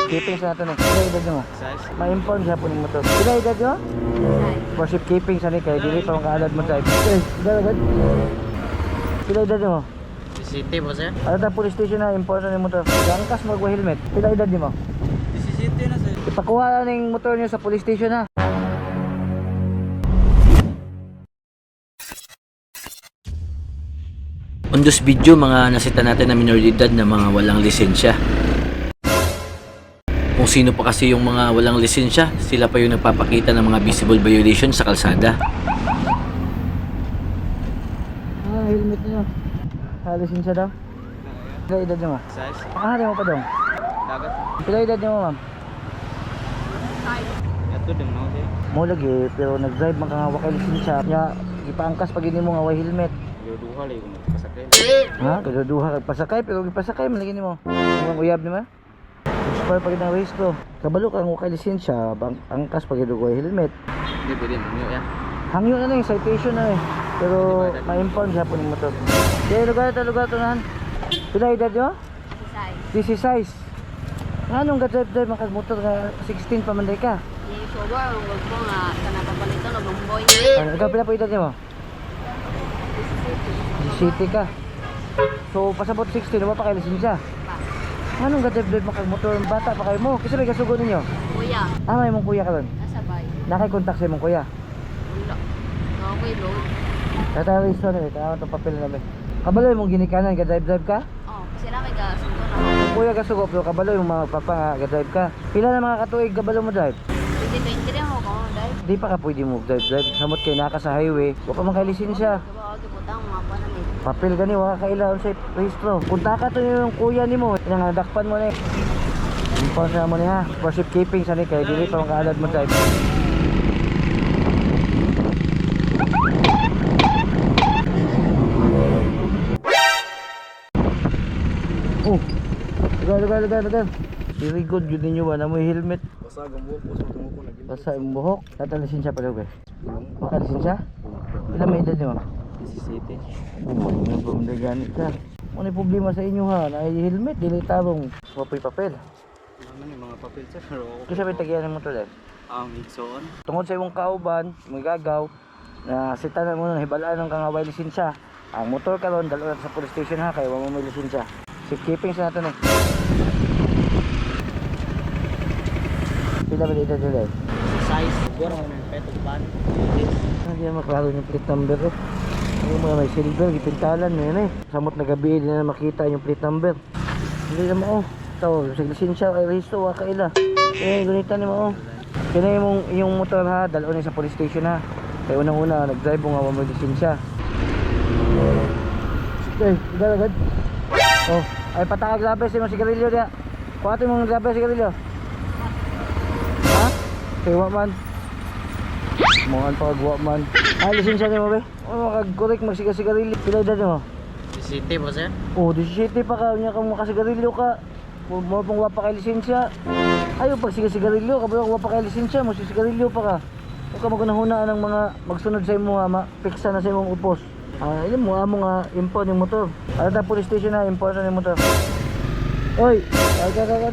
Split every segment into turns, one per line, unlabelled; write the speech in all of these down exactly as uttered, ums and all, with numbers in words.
keeping sa natin eh. Pila edad nyo?
Size?
Ma-inform siya po ng motor. Pila edad nyo? For ship keeping sa ni kay dili pa makaalad mo drive. Eh, edad agad. Pila edad nyo?
City po sir?
Ano ta police station na important ng motor. Gangkas magwa helmet. Pila edad nyo mo?
City na sir.
Ipakuha na ng motor nyo sa police station ha.
On this video, mga nasita natin na minoridad na mga walang lisensya. Kung sino pa kasi yung mga walang lisensya, sila pa yung nagpapakita ng mga visible violation sa kalsada.
Ah, helmet nyo. Ah, lisensya daw. Pila edad nyo ma?
Size?
Pakahari mo pa dong.
Dagat?
Pila edad nyo mo ma'am?
Ito din mo sir?
Mo lagi, pero nag-drive man ka nga wakay lisensya. Kaya ipaangkas pag hindi mo nga way helmet.
Yoduha lang yung pasakay.
Ha? Kagaduha kag pasakay, pero gipasakay man lagi nimo. Ang uyab ni ma? Expire pag ng race ko. Kabalo kang wakay lisensya, bang angkas pag hindi way helmet.
Hindi pwede mo yan.
Hangyo na lang, citation na eh. Pero ma-inform siya po ng motor. Kaya lugar ito, lugar ito nahan. Pila edad nyo? This is size. Nga nung ga-drive-drive makag motor nga sixteen pa man day ka.
Yung sober, ang wag mo nga, kanapapalitan o lumboy.
Ano, ikaw pila po edad nyo mo? City ka. So pasabot sixteen, wala pa kayo lisensya. Nga nung ga-drive-drive makag motor, bata pa kayo mo. Kasi may kasugo ninyo.
Kuya,
Ah, may mong kuya ka ron.
nasa bay.
Nakay-contact sa mong kuya.
Wala. Okay, load.
Tatawag iso na eh, tawag itong papel na namin. Kabaloy mong ginikanan, ga-drive-drive ka?
Oh, kasi lang kay gasundo na.
Kung kuya ka sugo, pero kabaloy mong mga papa nga, ga-drive ka. Pila na mga katuig kabalo mo drive?
twenty twenty rin ako kung dahil.
Di pa ka pwede mo drive-drive. Samot kayo naka sa highway. Wala pa man kayo lisensya.
Diba, ako putang mga panamit.
Papel gani, wala ka kailangan sa registro. Punta ka to yung kuya ni mo. Nangadakpan mo na eh. Impon sa mo ni ha. For ship keeping sa ni kay dili pa makaalad mo drive. Oh, lugar, lugar, lugar, lugar. Very good, yun ninyo ba? Namoy helmet.
Basta ang buhok, basta ang buhok lagi.
Basta yung buhok. Tata lisensya pa daw ba? Maka lisensya? Ilan may edad nyo?
City.
Oh, may problema ganit ka. Ano yung problema sa inyo ha? Na helmet, dili tarong. Wapoy papel.
Ano yung mga papel sir? Pero ako.
Kasi may tagiyan mo to dahil.
Ang igsoon.
Tungkol sa imong kauban, may gagaw, na sita na mo na hibalaan ng kangaway lisensya. Ang motor ka ron, dalo na sa police station ha, kaya wala mo may lisensya. Safe keeping sa natin eh. Pila ba dito dito?
Size? Siguro ako ng petong pan.
Hindi na maklaro yung plate number eh. Yung mga may silver, ipintalan mo yun eh. Samot na gabi, hindi na makita yung plate number. Hindi na mo oh. Ito, sa lisensya, ay rehisto, waka ila. Eh, ganita ni mo oh. Kaya yung, yung motor ha, dalo na sa police station ha. Kaya unang-una, nag-drive mo nga mo lisensya. Eh, agad agad. Oh, ay pataka grabe sa mga sigarilyo niya. Kuha mo ng grabe sigarilyo. Ha? Kaya man. Mga pagwa man. Ay, lisensya niyo mo ba? Oh, makag-correct magsiga-sigarilyo. Pila edad mo?
City po sir?
Oh, disisiete pa ka. Niya ka makasigarilyo ka. Mo pang wapa kay lisensya. Ayaw pag siga-sigarilyo. Kabalo wapa kay lisensya. Mo sigarilyo pa ka. Huwag ka magunahunaan ng mga magsunod sa imo ha. Piksa na sa imong upos. Ah, ilan mo amo nga impon yung motor. Ano ta police station na impon na yung motor. Oy, ay ka ka ka.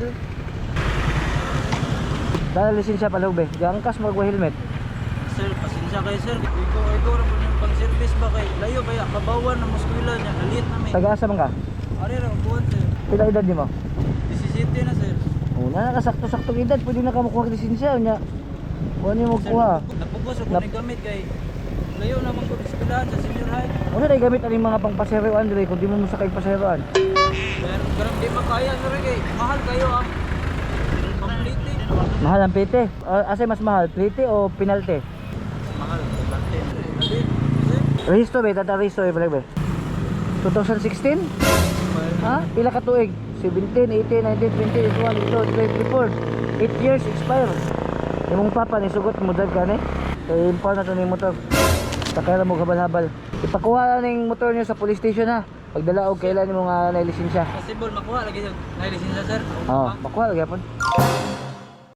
Dahil lisensya pa lugbe. Gangkas magwa helmet.
Sir, pasensya kayo sir. Ikaw, ikaw rin po yung pang-service ba kay layo ba ya? Kabawan na muskwila niya. Nalit namin.
Taga-asa man ka?
Ari rin, buwan sir.
Pila edad mo?
City na sir.
Oh, na nakasakto-saktong edad, pwede na ka makuha lisensya nya. Kuha niyo mo kuha.
Napugos ako
Nap-
ni gamit kay layo naman ko ispilahan sa senior high.
Ano na gamit ang mga pangpaseroan dire kung di mo musakay paseroan?
Pero garang di makaya sir kay mahal kayo ah. Complete.
Mahal ang plite. Uh, asay mas mahal, plite o penalty?
Mahal. Complete. Nalit. Sir.
Rehisto ba? Tata rehisto ba? ba? twenty sixteen? Ha? Pila ka tuig? seventeen, eighteen, nineteen, twenty, twenty-one, twenty-two, twenty-four. eight years expire. Imong papa ni sugot mo drive ka ni? Kaya impon na to ni motor. Takaya mo habal-habal. Ipakuha na ng motor niyo sa police station ha. Pagdala og kailan mo nga na lisensya.
Possible makuha lagi sa lisensya sir.
Oo, makuha lagi po.